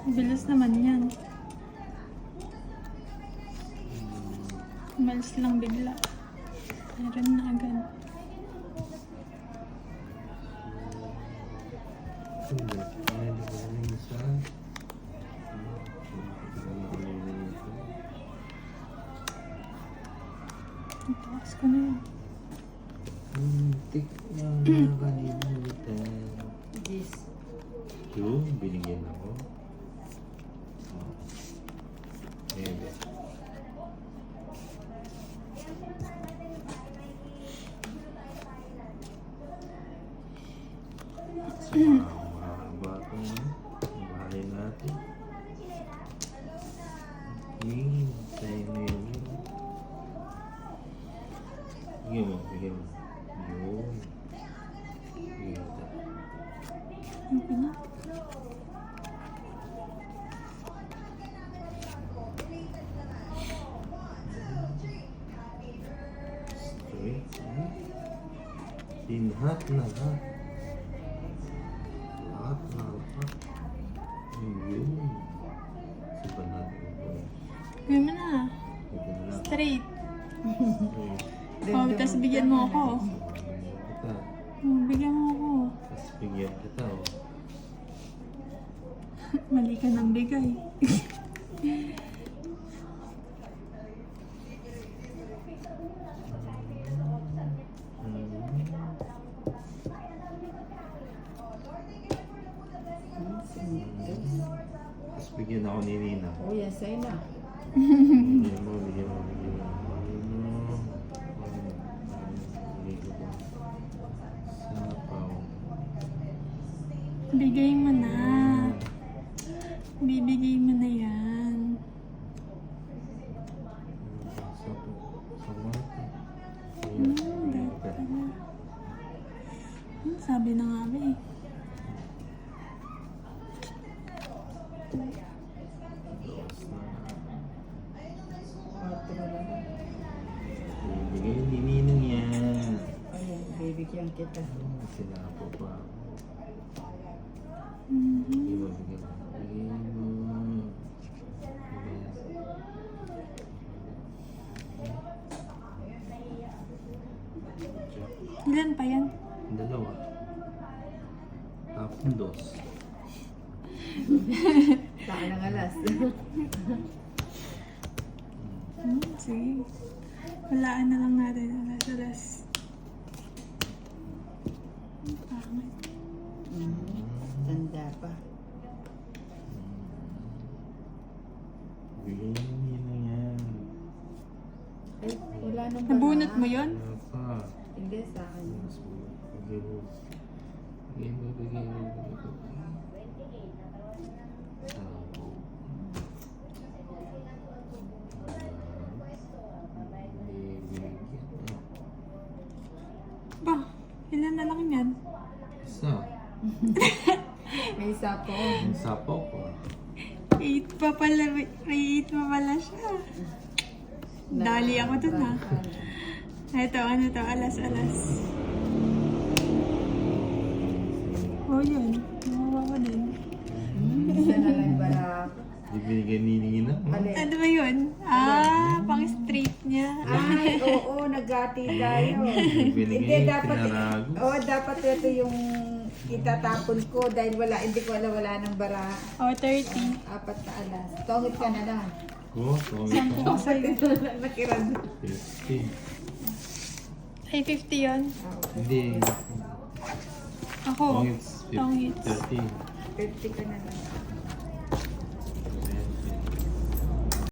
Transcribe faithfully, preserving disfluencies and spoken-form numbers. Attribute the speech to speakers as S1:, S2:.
S1: Bilis naman yan. Umalis lang bigla. Meron na agad. Ang taas ko na yun.
S2: Tik na kalimutan.
S3: Yes.
S2: Yung binigyan ako. Ayan. Sa mga batong bahay natin. Yun, tayo na yun. Bigyan mo, bigyan mo. Yun. Bigyan mo tayo.
S1: Okay na.
S2: Straight. Lahat na lahat. Lahat na lahat. Yun. Sipa natin ito.
S1: Gawin mo na.
S2: Ito na lang.
S1: Straight.
S2: Okay.
S1: Oh, tapos bigyan mo ako.
S2: Kita.
S1: Oh, bigyan mo ako.
S2: Tapos bigyan kita, oh.
S1: Mali ka ng bigay.
S2: Tapos bigyan ako ni Nina.
S3: Oh, yan sa'yo na.
S2: Bigyan mo, bigyan mo, bigyan mo. Bigyan mo. Bigyan mo. Sapaw.
S1: Bigay mo na. Bibigay mo na yan.
S2: Sapaw. Sapaw.
S1: Hmm, dapat na. Hmm, sabi na nga ba eh.
S3: Kwarto na lang.
S2: Bigyan ni Ninong yan.
S3: Ayan, bibigyan kita.
S2: Sinapo pa.
S1: Mhm.
S2: Bigyan mo, bigyan mo. Bigyan mo.
S1: Ilan pa yan?
S2: Dalawa. Tapos dos.
S3: Saka ng alas.
S1: Hmm, sige. Walaan na lang natin. Alas, alas. Ang pangit.
S3: Mhm. Tanda pa.
S2: Bigyan ni Ninong yan.
S3: Ay, wala nang
S1: Nabunot
S3: bara.
S1: mo yun?
S2: Wala pa.
S3: Hindi, sa akin.
S2: Mas mo. Bigyan mo. Bigyan mo, bigyan mo, bigyan mo. Sapo.
S1: Ba, ilan na lang yan?
S2: Isa.
S3: May isa po.
S2: Ang sapaw ko.
S1: Eight pa pala. May eight pa pala siya. Dali ako dun ha. Ito, ano to? Alas, alas. Oh, yun. Nawawa ko din.
S3: Hmm, isa na lang bara.
S2: Di binigyan ni Ninong.
S3: Alin?
S1: Ano ba yun? Ah, pang straight niya.
S3: Ay, oo, nagati tayo.
S2: Di
S3: Hindi,
S2: binigyan,
S3: dapat,
S2: pinarago.
S3: oo, dapat ito yung itatapon ko dahil wala, hindi ko wala, wala ng bara.
S1: Oh, thirty.
S3: Apat na alas. Tongit ka na lang.
S2: Ko, tumit
S1: Sampu
S2: ka.
S1: ko sa'yo.
S3: Ito na lang nakiran.
S2: Fifty.
S1: Ay, fifty yun.
S3: Oo,
S2: Hindi.
S1: Ako.
S2: Tongits.
S1: Tongits.
S2: Thirty.
S3: fifty ka na lang.